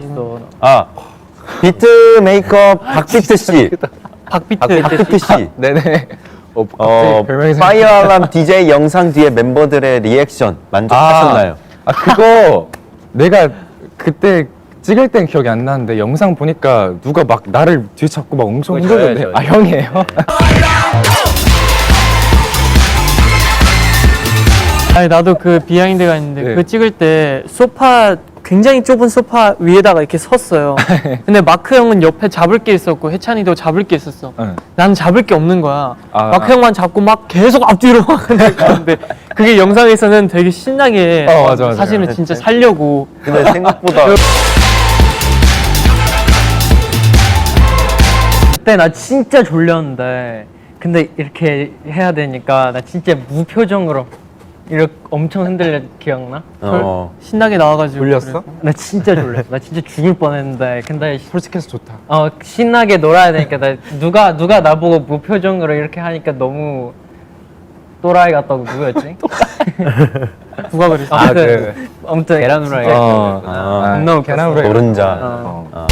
아, 비트 메이크업 박비트 씨. 박비트 씨. 네네. 파이어 알람 DJ 영상 뒤에 멤버들의 리액션 만족하셨나요? 그거 내가 그때 찍을 땐 기억이 안 나는데 영상 보니까 누가 막 나를 뒤잡고 막 엄청 흔들던데. 아, 형이에요? 아니 나도 그 비하인드가 있는데 네. 그거 찍을 때 소파 굉장히 좁은 소파 위에다가 이렇게 섰어요. 근데 마크 형은 옆에 잡을 게 있었고 해찬이도 잡을 게 있었어. 응. 나는 잡을 게 없는 거야. 아. 마크 형만 잡고 막 계속 앞뒤로 막 근데 그게 영상에서는 되게 신나게 맞아. 사실은 진짜 살려고. 근데 생각보다 그때 나 진짜 졸렸는데 근데 이렇게 해야 되니까 나 진짜 무표정으로 이렇게 엄청 흔들려. 기억나? 신나게 나와가지고. 졸렸어? 나 진짜 졸렸어. 나 진짜 죽을 뻔했는데 근데 솔직해서 좋다. 신나게 놀아야 되니까 나 누가 나보고 무표정으로 이렇게 하니까 너무 또라이 같다고. 누구였지? 누가 그랬어? 아무튼 계란 후라이. 너무 계란 후라이. 노른자.